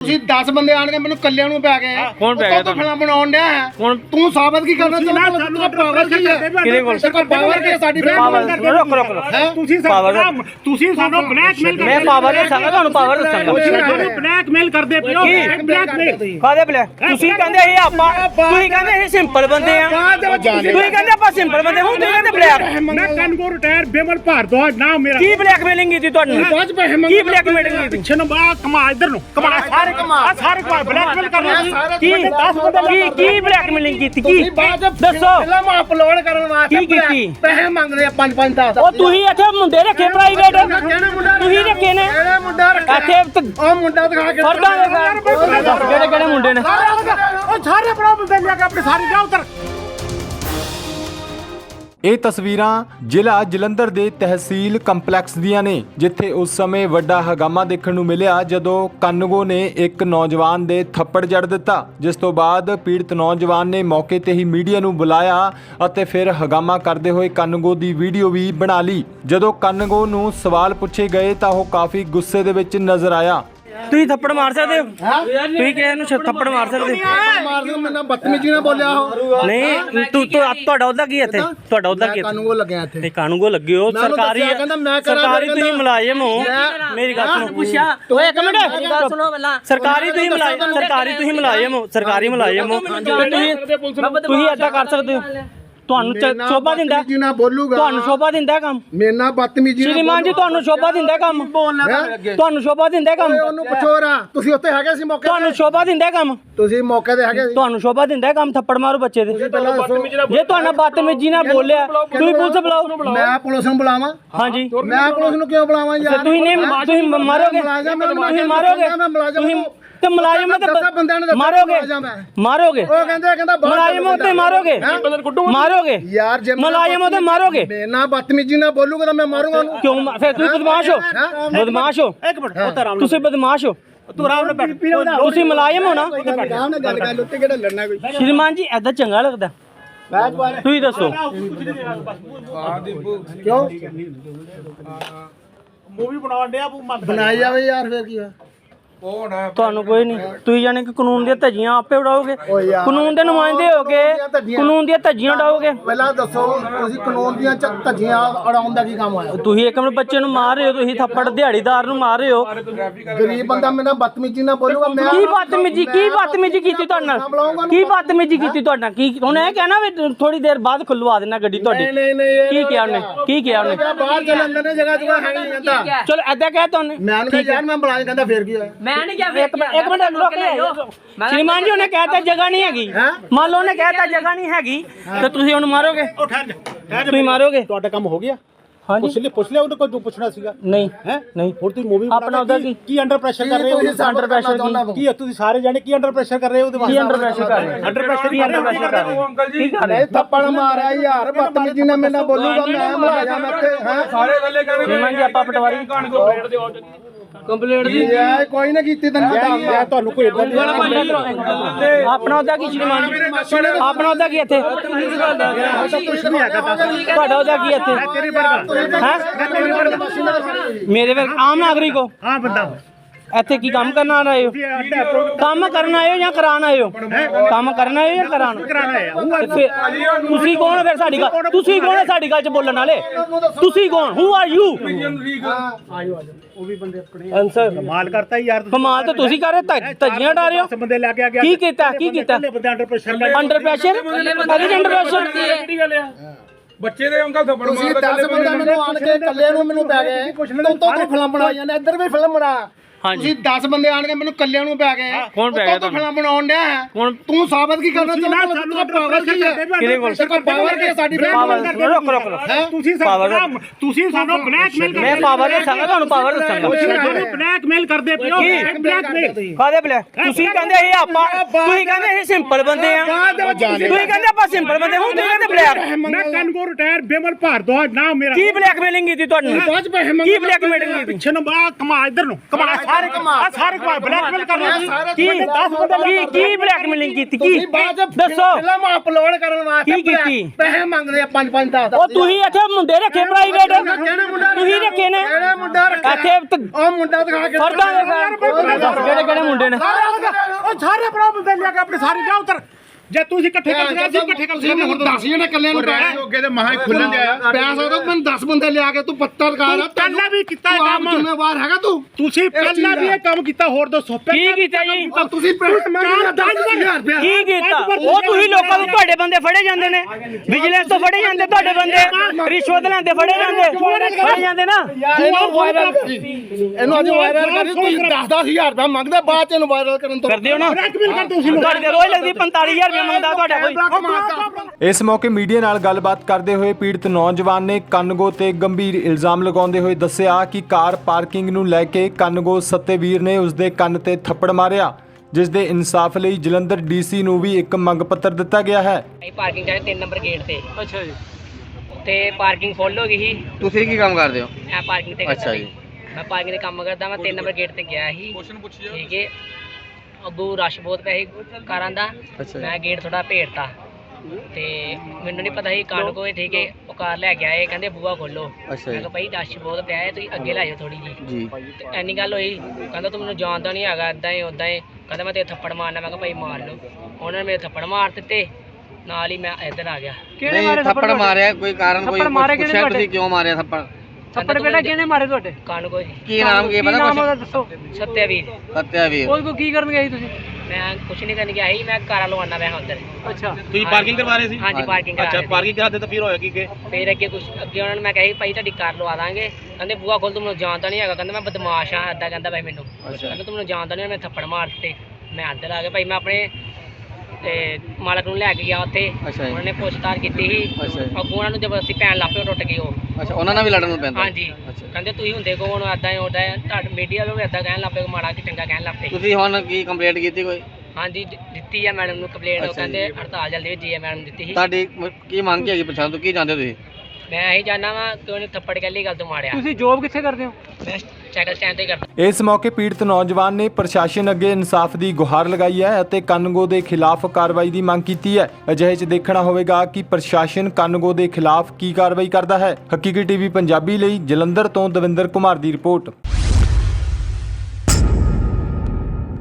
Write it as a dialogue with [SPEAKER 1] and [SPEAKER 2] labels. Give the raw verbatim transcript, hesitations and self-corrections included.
[SPEAKER 1] ਤੁਸੀਂ ਦਸ ਬੰਦੇ ਆਣਗੇ ਮੈਨੂੰ ਕੱਲਿਆਂ ਨੂੰ ਪੈ ਗਏ
[SPEAKER 2] ਕੌਣ ਪੈ ਗਿਆ
[SPEAKER 1] ਤੂੰ ਫਿਲਮ ਬਣਾਉਣ ਡਿਆ ਹੈ
[SPEAKER 2] ਹੁਣ
[SPEAKER 1] ਤੂੰ ਸਾਬਤ ਕੀ ਕਰਨਾ ਚਾਹੁੰਦਾ ਤੂੰ ਪਾਵਰ ਕੀ ਹੈ
[SPEAKER 2] ਕਿਹਦੇ ਕੋਲ
[SPEAKER 1] ਕੋਈ ਪਾਵਰ ਕੀ ਹੈ ਸਾਡੀ
[SPEAKER 2] ਰੁਕ ਰੁਕ ਰੁਕ
[SPEAKER 3] ਤੁਸੀਂ ਸਾਨੂੰ ਤੁਸੀਂ ਸਾਨੂੰ ਬਲੈਕਮੇਲ ਕਰਦੇ
[SPEAKER 2] ਮੈਂ ਪਾਵਰ ਦੱਸਾਂਗਾ ਤੁਹਾਨੂੰ ਪਾਵਰ ਦੱਸਾਂਗਾ
[SPEAKER 3] ਤੁਸੀਂ ਬਲੈਕਮੇਲ ਕਰਦੇ ਪਿਓ ਬਲੈਕਮੇਲ
[SPEAKER 2] ਕਾਦੇ ਬਲੈਕ ਤੁਸੀਂ ਕਹਿੰਦੇ ਇਹ ਆਪਾਂ ਤੁਸੀਂ ਕਹਿੰਦੇ ਇਹ ਸਿੰਪਲ ਬੰਦੇ ਆ ਤੁਸੀਂ ਕਹਿੰਦੇ ਆਪਾਂ ਸਿੰਪਲ ਬੰਦੇ ਹੁਣ ਤੁਸੀਂ ਕਹਿੰਦੇ ਬਲੈਕ
[SPEAKER 3] ਮੈਂ ਕਨਗੋ ਰਿਟਾਇਰ ਬੇਮਲ ਭਾਰਦਵਾਜ ਨਾਮ ਮੇਰਾ
[SPEAKER 2] ਕੀ ਬਲੈਕਮੇਲਿੰਗ ਕੀਤੀ ਤੁਹਾਨੂੰ ਕੀ ਬਲੈਕਮੇਲਿੰਗ ਕੀਤੀ
[SPEAKER 3] ਪਿੱਛੇ ਨੂੰ ਬਾ ਕਮਾ ਇਧਰ ਨੂੰ ਕਮਾ ਸਾਰੇ ਕਮਾ ਸਾਰੇ ਕਮਾ ਬਲੈਕਮੇਲ ਕਰਨਾ
[SPEAKER 2] ਕੀ ਕੀ ਕੀ ਬਲੈਕਮੇਲਿੰਗ ਕੀਤੀ ਕੀ ਦੱਸੋ
[SPEAKER 1] ਫਿਲਮ ਅਪਲੋਡ ਕਰਨ ਵਾਸਤੇ
[SPEAKER 2] ਕੀ ਕੀਤੀ
[SPEAKER 1] ਪੈਸੇ ਮੰਗਦੇ ਆ ਪੰਜ ਪੰਜ ਦਸ
[SPEAKER 2] ਉਹ ਤੁਸੀਂ ਇੱਥੇ ਮੁੰਡੇ ਰੱਖੇ ਪ੍ਰਾਈਵੇਟ ਤੁਸੀਂ ਰੱਖੇ ਨੇ
[SPEAKER 1] ਕਿਹੜੇ ਮੁੰਡਾ ਰੱਖਿਆ
[SPEAKER 2] ਇੱਥੇ
[SPEAKER 1] ਉਹ ਮੁੰਡਾ ਦਿਖਾ ਕੇ
[SPEAKER 2] ਫਰਦਾਂ ਦੇ ਕਿਹੜੇ ਕਿਹੜੇ ਮੁੰਡੇ ਨੇ
[SPEAKER 3] ਉਹ ਸਾਰੇ ਭਰਾ ਬੰਦੇ ਲਿਆ ਕੇ ਆਪਣੇ ਸਾਰੇ ਜਾ ਉਤਰ
[SPEAKER 4] ਇਹ ਤਸਵੀਰਾਂ ਜ਼ਿਲ੍ਹਾ ਜਲੰਧਰ ਦੇ ਤਹਿਸੀਲ ਕੰਪਲੈਕਸ ਦੀਆਂ ਨੇ, ਜਿੱਥੇ ਉਸ ਸਮੇਂ ਵੱਡਾ ਹੰਗਾਮਾ ਦੇਖਣ ਨੂੰ ਮਿਲਿਆ ਜਦੋਂ ਕਾਨੂੰਗੋ ਨੇ ਇੱਕ ਨੌਜਵਾਨ ਦੇ ਥੱਪੜ ਜੜ ਦਿੱਤਾ, ਜਿਸ ਤੋਂ ਬਾਅਦ ਪੀੜਤ ਨੌਜਵਾਨ ਨੇ ਮੌਕੇ ਤੇ ਹੀ ਮੀਡੀਆ ਨੂੰ ਬੁਲਾਇਆ ਅਤੇ ਫਿਰ ਹੰਗਾਮਾ ਕਰਦੇ ਹੋਏ ਕਾਨੂੰਗੋ ਦੀ ਵੀਡੀਓ ਵੀ ਬਣਾ ਲਈ। ਜਦੋਂ ਕਾਨੂੰਗੋ ਨੂੰ ਸਵਾਲ ਪੁੱਛੇ ਗਏ ਤਾਂ ਉਹ ਕਾਫੀ ਗੁੱਸੇ ਦੇ ਵਿੱਚ ਨਜ਼ਰ ਆਇਆ।
[SPEAKER 2] ਤੁਸੀਂ ਥੱਪੜ ਮਾਰ ਸਕਦੇ ਹੋ ਤੁਸੀਂ ਕਿਸੇ ਨੂੰ ਥੱਪੜ ਮਾਰ ਸਕਦੇ ਹੋ
[SPEAKER 1] ਮਾਰ ਦੇ ਮੈਨੂੰ ਬਦਤਮੀਜੀ ਨਾਲ ਬੋਲਿਆ ਉਹ
[SPEAKER 2] ਨਹੀਂ ਤੂੰ ਤੁਹਾਡਾ ਉਹਦਾ ਕੀ ਇੱਥੇ ਤੁਹਾਡਾ ਉਹਦਾ ਕੀ
[SPEAKER 1] ਕਾਨੂੰਗੋ ਲੱਗਿਆ ਇੱਥੇ
[SPEAKER 2] ਤੇ ਕਾਨੂੰਗੋ ਲੱਗੇ ਹੋ ਸਰਕਾਰੀ ਸਰਕਾਰੀ ਤੁਸੀਂ ਮੁਲਾਜ਼ਮ ਹੋ ਮੇਰੀ ਗੱਲ ਸੁਣੋ ਪੁੱਛਿਆ ਓਏ ਇੱਕ ਮਿੰਟ ਗੱਲ ਸੁਣੋ ਪਹਿਲਾਂ ਸਰਕਾਰੀ ਤੁਸੀਂ ਮੁਲਾਜ਼ਮ ਸਰਕਾਰੀ ਤੁਸੀਂ ਮੁਲਾਜ਼ਮ ਹੋ ਸਰਕਾਰੀ ਮੁਲਾਜ਼ਮ ਹੋ ਤੁਸੀਂ ਤੁਸੀਂ ਏਦਾਂ ਕਰ ਸਕਦੇ ਹੋ ਤੁਹਾਨੂੰ ਸ਼ੋਭਾ ਦਿੰਦਾ
[SPEAKER 1] ਜੀ ਨਾ ਬੋਲੂਗਾ
[SPEAKER 2] ਤੁਹਾਨੂੰ ਸ਼ੋਭਾ ਦਿੰਦਾ ਕੰਮ
[SPEAKER 1] ਮੇਰੇ ਨਾਲ ਬਦਤਮੀਜੀ ਨਾਲ
[SPEAKER 2] ਸ਼੍ਰੀਮਾਨ ਜੀ ਤੁਹਾਨੂੰ ਸ਼ੋਭਾ ਦਿੰਦਾ ਕੰਮ ਤੁਹਾਨੂੰ ਸ਼ੋਭਾ ਦਿੰਦਾ ਕੰਮ
[SPEAKER 1] ਉਹਨੂੰ ਪੁੱਛੋ ਰਾ ਤੁਸੀਂ ਉੱਥੇ ਹੈਗੇ ਸੀ ਮੌਕੇ
[SPEAKER 2] ਤੁਹਾਨੂੰ ਸ਼ੋਭਾ ਦਿੰਦਾ ਕੰਮ
[SPEAKER 1] ਤੁਸੀਂ ਮੌਕੇ ਤੇ ਹੈਗੇ ਸੀ
[SPEAKER 2] ਤੁਹਾਨੂੰ ਸ਼ੋਭਾ ਦਿੰਦਾ ਕੰਮ ਥੱਪੜ ਮਾਰੋ ਬੱਚੇ ਦੇ
[SPEAKER 1] ਪਹਿਲਾਂ ਦੱਸੋ
[SPEAKER 2] ਜੇ ਤੁਹਾਨੂੰ ਬਦਤਮੀਜੀ ਨਾਲ ਬੋਲਿਆ ਤੁਸੀਂ ਪੁਲਿਸ ਬੁਲਾਓ
[SPEAKER 1] ਮੈਂ ਪੁਲਿਸ ਨੂੰ ਬੁਲਾਵਾਂ
[SPEAKER 2] ਹਾਂਜੀ
[SPEAKER 1] ਮੈਂ ਪੁਲਿਸ ਨੂੰ ਕਿਉਂ ਬੁਲਾਵਾਂ ਯਾਰ
[SPEAKER 2] ਤੁਸੀਂ ਨਹੀਂ ਤੁਸੀਂ ਮਾਰੋਗੇ ਤੁਸੀਂ ਮਾਰੋਗੇ ਤੁਸੀਂ ਤੇ ਮੁਲਾਜ਼ਮ ਤੇ ਮਾਰੋਗੇ ਮਾਰੋਗੇ
[SPEAKER 1] ਉਹ ਕਹਿੰਦੇ ਕਹਿੰਦਾ
[SPEAKER 2] ਮੁਲਾਜ਼ਮ ਤੇ ਮਾਰੋਗੇ ਮਾਰੋਗੇ
[SPEAKER 1] ਯਾਰ ਜੇ
[SPEAKER 2] ਮੁਲਾਜ਼ਮ ਤੇ ਮਾਰੋਗੇ
[SPEAKER 1] ਮੈਂ ਨਾ ਬਦਤਮੀਜੀ ਨਾਲ ਬੋਲੂਗਾ ਤਾਂ ਮੈਂ ਮਾਰੂੰਗਾ ਉਹਨੂੰ
[SPEAKER 2] ਕਿਉਂ ਫਿਰ ਤੁਸੀਂ ਬਦਮਾਸ਼ ਹੋ ਬਦਮਾਸ਼ ਹੋ
[SPEAKER 3] ਇੱਕ ਮਿੰਟ
[SPEAKER 2] ਤੁਸੀਂ ਬਦਮਾਸ਼ ਹੋ
[SPEAKER 3] ਤੂੰ ਆਰਾਮ ਨਾਲ ਬੈਠ
[SPEAKER 2] ਤੁਸੀਂ ਮੁਲਾਜ਼ਮ ਹੋ ਨਾ
[SPEAKER 1] ਆਰਾਮ ਨਾਲ ਗੱਲ ਕਰ ਉੱਤੇ ਕਿਹੜਾ ਲੜਨਾ ਕੋਈ
[SPEAKER 2] ਸ਼੍ਰੀਮਾਨ ਜੀ ਐਦਾਂ ਚੰਗਾ ਲੱਗਦਾ ਤੁਸੀਂ ਦੱਸੋ
[SPEAKER 1] ਕਿਉਂ
[SPEAKER 3] ਮੂਵੀ ਬਣਾਉਣ ਡਿਆ
[SPEAKER 1] ਬਣਾਈ ਜਾਵੇ ਯਾਰ ਫੇਰ ਕੀ ਆ
[SPEAKER 2] ਤੁਹਾਨੂੰ ਕੋਈ ਨਹੀਂ ਤੁਸੀਂ ਜਾਣੇ ਕਿ ਕਾਨੂੰਨ ਦੀਆਂ ਧੱਜੀਆਂ ਆਪੇ ਉਡਾਓਗੇ ਕਾਨੂੰਨ ਦੇ ਨੁਮਾਇੰਦੇ ਹੋਗੇ ਕਾਨੂੰਨ ਦੀਆਂ ਧੱਜੀਆਂ ਉਡਾਓਗੇ
[SPEAKER 1] ਪਹਿਲਾਂ ਦੱਸੋ ਤੁਸੀਂ ਕਾਨੂੰਨ ਦੀਆਂ ਧੱਜੀਆਂ ਉਡਾਉਣ ਦਾ ਕੀ ਕੰਮ ਆਇਆ
[SPEAKER 2] ਤੁਸੀਂ ਇੱਕ ਮਿੰਟ ਬੱਚੇ ਨੂੰ ਮਾਰ ਰਹੇ ਹੋ ਤੁਸੀਂ ਥੱਪੜ ਦਿਹਾੜੀਦਾਰ ਨੂੰ ਮਾਰ ਰਹੇ ਹੋ
[SPEAKER 1] ਗਰੀਬ ਬੰਦਾ ਮੇਰੇ ਨਾਲ ਬਦਤਮੀਜੀ ਨਾਲ ਬੋਲੂਗਾ ਮੈਂ
[SPEAKER 2] ਕੀ ਬਦਤਮੀਜੀ ਕੀ ਬਦਤਮੀਜੀ ਕੀਤੀ ਤੁਹਾਡੇ ਨਾਲ ਕੀ ਬਦਤਮੀਜੀ ਕੀਤੀ ਤੁਹਾਡੇ ਨਾਲ ਕੀ ਉਹਨੇ ਇਹ ਕਹਿਣਾ ਵੀ ਥੋੜੀ ਦੇਰ ਬਾਅਦ ਖੁੱਲਵਾ ਦੇਣਾ ਗੱਡੀ ਤੁਹਾਡੀ
[SPEAKER 1] ਨਹੀਂ ਨਹੀਂ
[SPEAKER 2] ਕੀ ਕਿਹਾ ਉਹਨੇ ਕੀ ਕਿਹਾ ਉਹਨੇ
[SPEAKER 1] ਬਾਹਰ ਚੱਲਣ ਦੇ ਜਗ੍ਹਾ ਜਗ੍ਹਾ ਹੈ ਨਹੀਂ ਕਹਿੰਦਾ
[SPEAKER 2] ਚਲੋ ਐਦਾਂ ਕਹਿ ਤਾ ਉਹਨੇ
[SPEAKER 1] ਮੈਂ ਉਹਨੂੰ ਕਿਹਾ ਯਾਰ ਮੈਂ ਬੁਲਾਇਆ ਕਹਿੰਦਾ ਫੇਰ ਕੀ ਹੋਇਆ
[SPEAKER 2] ਮੈਂ ਨਹੀਂ ਕਿਹਾ ਇੱਕ ਮਿੰਟ ਇੱਕ ਮਿੰਟ ਰੁਕ ਲੈ ਸ਼੍ਰੀਮਾਨ ਜੀ ਉਹਨੇ ਕਹਿਤਾ ਜਗ੍ਹਾ ਨਹੀਂ ਹੈਗੀ ਮੰਨ ਲਓ ਉਹਨੇ ਕਹਿਤਾ ਜਗ੍ਹਾ ਨਹੀਂ ਹੈਗੀ ਤੇ ਤੁਸੀਂ ਉਹਨੂੰ ਮਾਰੋਗੇ ਤੁਸੀਂ ਮਾਰੋਗੇ
[SPEAKER 3] ਤੁਹਾਡਾ ਕੰਮ ਹੋ ਗਿਆ
[SPEAKER 2] ਹਾਂਜੀ
[SPEAKER 3] ਪੁੱਛ ਲੈ ਪੁੱਛ ਲਿਆ ਉਹਨੂੰ ਕੋਈ ਪੁੱਛਣਾ ਸੀਗਾ
[SPEAKER 2] ਨਹੀਂ
[SPEAKER 3] ਹੈ
[SPEAKER 2] ਨਹੀਂ
[SPEAKER 3] ਹੋਰ ਤੁਸੀਂ ਮੂਵੀ
[SPEAKER 2] ਆਪਣਾ ਉਹਦਾ ਕੀ
[SPEAKER 3] ਕੀ ਅੰਡਰ ਪ੍ਰੈਸ਼ਰ ਕਰ ਰਹੇ ਹੋ
[SPEAKER 1] ਤੁਸੀਂ ਅੰਡਰ ਪ੍ਰੈਸ਼ਰ
[SPEAKER 3] ਕੀ ਹੈ ਤੁਸੀਂ ਸਾਰੇ ਜਾਣੇ ਕੀ ਅੰਡਰ ਪ੍ਰੈਸ਼ਰ ਕਰ ਰਹੇ ਹੋ ਉਹਦੇ
[SPEAKER 2] ਕੀ ਅੰਡਰ ਪ੍ਰੈਸ਼ਰ ਕਰ ਰਹੇ
[SPEAKER 3] ਅੰਡਰ ਪ੍ਰੈਸ਼ਰ
[SPEAKER 2] ਕੀ ਅੰਡਰ ਪ੍ਰੈਸ਼ਰ ਕਰ ਰਹੇ ਹੋ ਅੰਕਲ ਜੀ ਕੀ ਕਰ ਰਹੇ
[SPEAKER 1] ਥੱਪੜ ਮਾਰਿਆ ਯਾਰ ਬਦਤਮੀਜੀ ਨਾਲ ਮੇਰੇ ਨਾਲ ਬੋਲੂਗਾ ਮੈਂ ਬੁਲਾਇਆ ਮੈਂ ਇੱਥੇ ਹੈ
[SPEAKER 5] ਸਾਰੇ ਗੱਲੇ ਕਰ
[SPEAKER 2] ਸ਼੍ਰੀਮਾਨ ਜੀ ਆਪਾਂ ਪਟਵਾਰੀ ਕੰਪਲੇਂਟ ਦੀ
[SPEAKER 1] ਯਾਰ ਕੋਈ ਨਾ ਕੀਤੀ ਤੈਨੂੰ
[SPEAKER 3] ਮੈਂ ਤੁਹਾਨੂੰ ਕੋਈ ਇਦਾਂ ਦੀ
[SPEAKER 2] ਆਪਣਾ ਉਹਦਾ ਕੀ ਸ਼੍ਰੀਮਾਨ ਜੀ ਆਪਣਾ ਉਹਦਾ ਕੀ ਇੱਥੇ
[SPEAKER 3] ਕੁਝ ਨਹੀਂ ਹੈਗਾ
[SPEAKER 2] ਤੁਹਾਡਾ ਉਹਦਾ ਕੀ ਇੱਥੇ
[SPEAKER 3] ਤੇਰੀ ਵਰਗਾ
[SPEAKER 2] ਹੈ ਮੇਰੇ ਵਰਗੇ ਆਮ ਨਾਗਰਿਕ ਹੋ
[SPEAKER 3] ਹਾਂ ਬੰਦਾ
[SPEAKER 2] ਇੱਥੇ ਕੀ ਕੰਮ ਕਰਨ ਆਏ ਹੋ ਕੰਮ ਕਰਨ ਆਏ ਹੋ ਜਾਂ ਕਰਾਉਣ ਆਏ ਹੋ ਕੰਮ ਕਰਨ ਆਏ ਹੋ ਜਾਂ ਕਰਾਉਣ ਤੁਸੀਂ ਕੌਣ ਹੋ ਫਿਰ ਸਾਡੀ ਗੱਲ ਤੁਸੀਂ ਕੌਣ ਹੋ ਸਾਡੀ ਗੱਲ 'ਚ ਬੋਲਣ ਵਾਲੇ ਤੁਸੀਂ ਕੌਣ ਹੂ ਆਰ ਯੂ
[SPEAKER 3] ਉਹ ਵੀ ਬੰਦੇ ਆਪਣੇ
[SPEAKER 2] ਆਨਸਰ
[SPEAKER 3] ਕਮਾਲ ਕਰਤਾ ਯਾਰ
[SPEAKER 2] ਕਮਾਲ ਤਾਂ ਤੁਸੀਂ ਕਰ ਰਹੇ ਧੱਜੀਆਂ ਡਾ ਰਹੇ ਹੋ
[SPEAKER 3] ਬੰਦੇ ਲੈ ਕੇ ਆ ਗਿਆ
[SPEAKER 2] ਕੀ ਕੀਤਾ ਕੀ ਕੀਤਾ
[SPEAKER 3] ਬੰਦੇ ਅੰਡਰ ਪ੍ਰੈਸ਼ਰ
[SPEAKER 2] ਅੰਡਰ ਪ੍ਰੈਸ਼ਰ ਅਰੇ ਅੰਡਰ ਪ੍ਰੈਸ਼ਰ
[SPEAKER 5] ਬੱਚੇ ਦੇ ਅੰਕਲ ਥੱਪੜ
[SPEAKER 1] ਤੁਸੀਂ ਦਸ ਬੰਦਾ ਮੈਨੂੰ ਆਣ ਕੇ ਇਕੱਲੇ ਨੂੰ ਮੈਨੂੰ ਪੈ ਗਏ ਤੂੰ ਤੋਂ ਫਿਲਮ ਬਣਾ ਜਾਂਦਾ ਇੱਧਰ ਵੀ ਫਿਲਮ ਬਣਾ ਤੁਸੀਂ ਦਸ ਬੰਦੇ ਆਣਗੇ ਮੈਨੂੰ ਕੱਲਿਆਂ ਨੂੰ ਪੈ ਗਏ
[SPEAKER 2] ਕੌਣ ਪੈ ਗਿਆ
[SPEAKER 1] ਤੂੰ ਫਿਲਮ ਬਣਾਉਣ ਡਿਆ ਹੈ
[SPEAKER 2] ਹੁਣ
[SPEAKER 1] ਤੂੰ ਸਾਬਤ ਕੀ ਕਰਨਾ ਚਾਹੁੰਦਾ ਤੂੰ ਪਾਵਰ ਕੀ ਹੈ
[SPEAKER 2] ਕਿਹਦੇ ਕੋਲ
[SPEAKER 1] ਕੋਈ ਪਾਵਰ ਕੀ ਹੈ ਸਾਡੀ
[SPEAKER 2] ਪਾਵਰ ਰੁਕ ਰੁਕ ਰੁਕ
[SPEAKER 3] ਤੁਸੀਂ ਸਾਨੂੰ ਤੁਸੀਂ ਸਾਨੂੰ ਬਲੈਕਮੇਲ
[SPEAKER 2] ਮੈਂ ਪਾਵਰ ਦੱਸਾਂਗਾ ਤੁਹਾਨੂੰ ਪਾਵਰ ਦੱਸਾਂਗਾ
[SPEAKER 3] ਕਰਦੇ ਬਲੈਕਮੇਲ ਕਰਦੇ ਪਿਓ ਬਲੈਕਮੇਲ
[SPEAKER 2] ਕਾਦੇ ਬਲੈਕ ਤੁਸੀਂ ਕਹਿੰਦੇ ਇਹ ਆਪਾਂ ਤੁਸੀਂ ਕਹਿੰਦੇ ਇਹ ਸਿੰਪਲ ਬੰਦੇ ਆ ਤੁਸੀਂ ਕਹਿੰਦੇ ਆਪਾਂ ਸਿੰਪਲ ਬੰਦੇ ਹੁਣ ਤੁਸੀਂ ਕਹਿੰਦੇ ਬਲੈਕ
[SPEAKER 3] ਮੈਂ ਕਨਗੋ ਰਿਟਾਇਰ ਬੇਮਲ ਭਾਰਦਵਾਜ ਨਾਮ ਮੇਰਾ
[SPEAKER 2] ਕੀ ਬਲੈਕਮੇਲਿੰਗ ਕੀਤੀ ਤੁਹਾਨੂੰ ਕੀ ਬਲੈਕਮੇਲਿੰਗ ਕੀਤੀ
[SPEAKER 3] ਪਿੱਛੇ ਨੂੰ ਬਾ ਕਮਾ ਇਧਰ ਨੂੰ ਕਮਾ ਸਾਰੇ ਕਮਾ ਆ ਸਾਰੇ ਕਮਾ ਬਲੈਕਮੇਲ ਕਰ ਰਹੇ ਹੋ
[SPEAKER 2] ਕੀ ਕੀ ਕੀ ਬਲੈਕਮੇਲਿੰਗ ਕੀਤੀ ਕੀ
[SPEAKER 1] ਤੁਸੀਂ ਬਾਅਦ ਚ
[SPEAKER 2] ਦੱਸੋ
[SPEAKER 1] ਫਿਲਮ ਅਪਲੋਡ ਕਰਨ ਵਾਸਤੇ
[SPEAKER 2] ਕੀ ਕੀਤੀ?
[SPEAKER 1] ਪੈਸੇ ਮੰਗਦੇ ਆ ਪੰਜ ਪੰਜ ਦਸ
[SPEAKER 2] ਉਹ ਤੁਸੀਂ ਇੱਥੇ ਮੁੰਡੇ ਰੱਖੇ ਪ੍ਰਾਈਵੇਟ
[SPEAKER 1] ਕਿਹੜੇ ਮੁੰਡਾ
[SPEAKER 2] ਤੁਸੀਂ ਰੱਖੇ ਨੇ
[SPEAKER 1] ਕਿਹੜੇ ਮੁੰਡਾ ਰੱਖਿਆ
[SPEAKER 2] ਇੱਥੇ ਤ-
[SPEAKER 1] ਉਹ ਮੁੰਡਾ ਦਿਖਾ ਕੇ
[SPEAKER 2] ਫਰਦਾਂ ਦੇ ਕਿਹੜੇ ਕਿਹੜੇ ਮੁੰਡੇ ਨੇ
[SPEAKER 3] ਉਹ ਸਾਰੇ ਭਰਾ ਬੰਦੇ ਲਿਆ ਕੇ ਆਪਣੇ ਸਾਰੇ ਜਾ ਉਤਰ ਜੇ ਤੁਸੀਂ ਇਕੱਠੇ ਕਰ ਸਕਦੇ ਸੀ ਇਕੱਠੇ ਕਰ ਸਕਦੇ
[SPEAKER 1] ਮੈਨੂੰ ਦਸ ਜਣੇ ਕੱਲਿਆਂ ਨੂੰ ਪੈਸੇ
[SPEAKER 5] ਅੱਗੇ ਤੇ ਮਹਾਂ ਖੁੱਲਣ ਦੇ ਆਇਆ
[SPEAKER 1] ਪੈਸਾ ਤਾਂ ਮੈਨੂੰ ਦਸ ਬੰਦੇ ਲਿਆ ਕੇ ਤੂੰ ਪੱਤਰਕਾਰ ਆ
[SPEAKER 3] ਪਹਿਲਾਂ ਵੀ ਕੀਤਾ ਇਹ
[SPEAKER 1] ਤੂੰ ਆਪ
[SPEAKER 3] ਕੰਮ
[SPEAKER 1] ਜ਼ਿੰਮੇਵਾਰ ਹੈਗਾ ਤੂੰ
[SPEAKER 3] ਤੁਸੀਂ ਪਹਿਲਾਂ ਵੀ ਇਹ ਕੰਮ ਕੀਤਾ ਹੋਰ ਦੱਸੋ
[SPEAKER 2] ਕੀ ਕੀਤਾ ਜੀ
[SPEAKER 1] ਔਰ ਤੁਸੀਂ ਪੈਸੇ ਮੰਗਦੇ ਦਸ ਹਜ਼ਾਰ ਰੁਪਏ
[SPEAKER 2] ਕੀ ਕੀਤਾ ਉਹ ਤੁਸੀਂ ਲੋਕਾਂ ਨੂੰ ਤੁਹਾਡੇ ਬੰਦੇ ਫੜੇ ਜਾਂਦੇ ਨੇ ਵਿਜੀਲੈਂਸ ਤੋਂ ਫੜੇ ਜਾਂਦੇ ਤੁਹਾਡੇ ਬੰਦੇ ਰਿਸ਼ਵਤ ਲੈਂਦੇ ਫੜੇ ਜਾਂਦੇ ਫੜੇ ਜਾਂਦੇ ਨਾ
[SPEAKER 1] ਇਹਨੂੰ ਵਾਇਰਲ ਕਰੀ ਇਹਨੂੰ ਅੱਜ ਵਾਇਰਲ ਕਰੀ ਤੁਸੀਂ ਦਸ ਦਸ ਹਜ਼ਾਰ ਰੁਪਏ ਮੰਗਦਾ ਬਾਅਦ ਚ ਇਹਨੂੰ ਵਾਇਰਲ ਕਰਨ ਤੋਂ
[SPEAKER 2] ਕਰਦੇ ਹੋ ਨਾ
[SPEAKER 3] ਬਲੈਕਮੇਲ ਕਰ ਤੁਸੀਂ
[SPEAKER 2] ਤੁਹਾਡੇ ਰੋਜ਼ ਲੱਗਦੀ ਪੰਤਾਲੀ ਹਜ਼ਾਰ ਰੁਪਏ ਮੰਗਦਾ ਤੁਹਾਡਾ ਕੋਈ
[SPEAKER 4] ਇਸ ਮੌਕੇ ਮੀਡੀਆ ਨਾਲ ਗੱਲਬਾਤ ਕਰਦੇ ਹੋਏ ਪੀੜਤ ਨੌਜਵਾਨ ਨੇ ਕਨਗੋ ਤੇ ਗੰਭੀਰ ਇਲਜ਼ਾਮ ਲਗਾਉਂਦੇ ਹੋਏ ਦੱਸਿਆ ਕਿ ਕਾਰ ਪਾਰਕਿੰਗ ਨੂੰ ਲੈ ਕੇ ਕਨਗੋ ਸੱਤੇਵੀਰ ਨੇ ਉਸ ਦੇ ਕੰਨ ਤੇ ਥੱਪੜ ਮਾਰਿਆ, ਜਿਸ ਦੇ ਇਨਸਾਫ ਲਈ ਜਲੰਧਰ ਡੀਸੀ ਨੂੰ ਵੀ ਇੱਕ ਮੰਗ ਪੱਤਰ ਦਿੱਤਾ ਗਿਆ ਹੈ।
[SPEAKER 6] ਅਸੀਂ ਪਾਰਕਿੰਗ ਚਾਹੇ ਤਿੰਨ ਨੰਬਰ ਗੇਟ ਤੇ ਅੱਛਾ ਜੀ ਤੇ ਪਾਰਕਿੰਗ ਫੁੱਲ ਹੋ ਗਈ ਸੀ।
[SPEAKER 7] ਤੁਸੀਂ ਕੀ ਕੰਮ ਕਰਦੇ ਹੋ?
[SPEAKER 6] ਮੈਂ ਪਾਰਕਿੰਗ ਤੇ
[SPEAKER 7] ਅੱਛਾ ਜੀ।
[SPEAKER 6] ਮੈਂ ਪਾਰਕਿੰਗ ਦੇ ਕੰਮ ਕਰਦਾ ਮੈਂ ਤਿੰਨ ਨੰਬਰ ਗੇਟ ਤੇ ਗਿਆ ਸੀ ਠੀਕ ਹੈ ਅੱਗੋਂ ਰਸ਼ ਬਹੁਤ ਪੈ ਸੀ ਕਾਰਾਂ ਦਾ ਮੈਂ ਗੇਟ ਥੋੜਾ ਭੇੜਤਾ ਤੇ ਮੈਨੂੰ ਨਹੀਂ ਪਤਾ ਸੀ ਕਾਨ ਕੋਈ ਠੀਕ ਹੈ ਉਹ ਕਾਰ ਲੈ ਕੇ ਆਏ ਕਹਿੰਦੇ ਬੂਹਾ ਖੋਲੋ ਮੈਂ ਕਿਹਾ ਭਾਈ ਰਸ਼ ਬਹੁਤ ਪਿਆ ਹੈ ਤੁਸੀਂ ਅੱਗੇ ਲੈ ਜਾਓ ਥੋੜੀ ਜੀ ਤੇ ਐਨੀ ਗੱਲ ਹੋਈ ਕਹਿੰਦਾ ਤੂੰ ਮੈਨੂੰ ਜਾਣਦਾ ਨਹੀਂ ਹੈਗਾ ਇਦਾਂ ਹੀ ਉਦਾਂ ਹੀ ਕਹਿੰਦਾ ਮੈਂ ਤੇ ਥੱਪੜ ਮਾਰਨਾ ਮੈਂ ਕਿਹਾ ਭਾਈ ਮਾਰ ਲਓ ਉਹਨਾਂ ਨੇ ਮੇਰੇ ਥੱਪੜ ਮਾਰ ਦਿੱਤੇ ਨਾਲ ਹੀ ਮੈਂ ਇੱਧਰ ਆ ਗਿਆ।
[SPEAKER 7] ਨਹੀਂ ਥੱਪੜ ਮਾਰਿਆ ਕੋਈ ਕਾਰਨ ਕੋਈ ਪੁੱਛਿਆ ਤੁਸੀਂ ਕਿਉਂ ਮਾਰਿਆ ਥੱਪੜ?
[SPEAKER 6] ਥੱਪੜ ਕਿਹੜਾ ਕਿਹਨੇ ਮਾਰੇ ਤੁਹਾਡੇ ਕਾਨ ਕੋਈ
[SPEAKER 7] ਕੀ ਨਾਮ ਕੀ ਪਤਾ ਕੁਛ?
[SPEAKER 6] ਦੱਸੋ ਸੱਤਿਆਵੀਰ
[SPEAKER 7] ਸੱਤਿਆਵੀਰ।
[SPEAKER 6] ਉਹ ਕੋ ਕੀ ਕਰਨ ਗਏ ਸੀ ਤੁਸੀਂ? ਮੈਂ ਕੁਛ ਨਹੀਂ ਕਰਨ ਗਿਆ ਸੀ ਮੈਂ ਕਾਰਾਂ ਲਵਾਉਣਾ ਮੈਂ ਉੱਧਰ। ਅੱਛਾ
[SPEAKER 5] ਤੁਸੀਂ ਪਾਰਕਿੰਗ ਕਰਵਾ ਰਹੇ ਸੀ?
[SPEAKER 6] ਹਾਂਜੀ ਪਾਰਕਿੰਗ ਕਰਾ
[SPEAKER 5] ਅੱਛਾ
[SPEAKER 6] ਰਹੇ
[SPEAKER 5] ਪਾਰਕਿੰਗ ਕਰਾ ਦਿੱਤਾ ਫਿਰ ਹੋਇਆ ਕੀ ਕਿ
[SPEAKER 6] ਸੀ। ਫਿਰ ਅੱਗੇ ਕੁਛ ਅੱਗੇ ਉਹਨਾਂ ਨੇ ਮੈਂ ਕਿਹਾ ਸੀ ਭਾਈ ਤੁਹਾਡੀ ਕਾਰ ਲਵਾ ਦਾਂਗੇ ਕਹਿੰਦੇ ਬੂਆ ਖੋਲ ਤੂੰ ਮੈਨੂੰ ਜਾਣਦਾ ਨਹੀਂ ਹੈਗਾ ਕਹਿੰਦਾ ਮੈਂ ਬਦਮਾਸ਼ ਆ ਏਦਾਂ ਕਹਿੰਦਾ ਭਾਈ ਮੈਨੂੰ ਕਹਿੰਦਾ ਤੂੰ ਮੈਨੂੰ ਜਾਣਦਾ ਨਹੀਂ ਮੈਂ ਥੱਪੜ ਮਾਰ ਦਿੱਤੇ ਮੈਂ ਅੰਦਰ ਆ ਗਿਆ ਭਾਈ ਮੈਂ ਆਪਣੇ ਤੇ ਮਾਲਕ ਨੂੰ ਲੈ ਕੇ ਗਿਆ ਉੱਥੇ ਉਹਨਾਂ ਨੇ ਪੁੱਛਤਾਛ ਕੀਤੀ ਸੀ ਅੱਗੋਂ ਉਹਨਾਂ ਨੂੰ ਜ਼ਬਰਦਸਤੀ ਪੈਣ ਲੱਗ ਪਏ ਟੁੱਟ ਗਈ ਉਹ।
[SPEAKER 7] ਅੱਛਾ ਉਹਨਾਂ ਨਾਲ ਵੀ ਲੜਨ ਨੂੰ ਪੈਂਦਾ?
[SPEAKER 6] ਹਾਂਜੀ ਕਹਿੰਦੇ ਤੁਸੀਂ ਹੁੰਦੇ ਕੋਣ ਏਦਾਂ ਉਦਾਂ ਤੁਹਾਡੇ ਮੀਡੀਆ ਵਾਲੇ ਏਦਾਂ ਕਹਿਣ ਲੱਗ ਪਏ ਮਾੜਾ ਕਿ ਚੰਗਾ ਕਹਿਣ ਲੱਗ ਪਏ।
[SPEAKER 7] ਤੁਸੀਂ ਹੁਣ ਕੀ ਕੰਪਲੇਂਟ ਕੀਤੀ ਕੋਈ?
[SPEAKER 6] ਹਾਂਜੀ ਦਿੱਤੀ ਆ ਮੈਡਮ ਨੂੰ ਕੰਪਲੇਂਟ ਉਹ ਕਹਿੰਦੇ ਹੜਤਾਲ ਜਲਦੀ ਵਿੱਚ ਜੀ ਮੈਡਮ ਦਿੱਤੀ ਸੀ।
[SPEAKER 7] ਤੁਹਾਡੀ ਕੀ ਮੰਗ ਕੀ ਹੈਗੀ ਪਛਾਣ ਤੋਂ ਕੀ ਚਾਹੁੰਦੇ ਹੋ ਤੁਸੀਂ?
[SPEAKER 6] ਮੈਂ ਇਹੀ ਜਾਣਦਾ ਵਾਂ ਕਿ ਉਹਨੇ ਥੱਪੜ ਕਹਿਲੀ ਗੱਲ ਤੋਂ ਮਾਰਿਆ।
[SPEAKER 2] ਤੁਸੀਂ ਜੋਬ ਕਿੱਥੇ ਕਰਦੇ ਹੋ?
[SPEAKER 6] ਮੈਂ ਸਾਈਕਲ ਸਟੈਂਡ ਤੇ ਕਰਦਾ।
[SPEAKER 4] ਇਸ ਮੌਕੇ ਪੀੜਤ ਨੌਜਵਾਨ ਨੇ ਪ੍ਰਸ਼ਾਸਨ ਅੱਗੇ ਇਨਸਾਫ ਦੀ ਗੁਹਾਰ ਲਗਾਈ ਹੈ ਅਤੇ ਕਨਗੋ ਦੇ ਖਿਲਾਫ ਕਾਰਵਾਈ ਦੀ ਮੰਗ ਕੀਤੀ ਹੈ। ਅਜਿਹੇ 'ਚ ਦੇਖਣਾ ਹੋਵੇਗਾ ਕਿ ਪ੍ਰਸ਼ਾਸਨ ਕਨਗੋ ਦੇ ਖਿਲਾਫ ਕੀ ਕਾਰਵਾਈ ਕਰਦਾ ਹੈ। ਹਕੀਕੀ ਟੀਵੀ ਪੰਜਾਬੀ ਲਈ ਜਲੰਧਰ ਤੋਂ ਦਵਿੰਦਰ ਕੁਮਾਰ ਦੀ ਰਿਪੋਰਟ।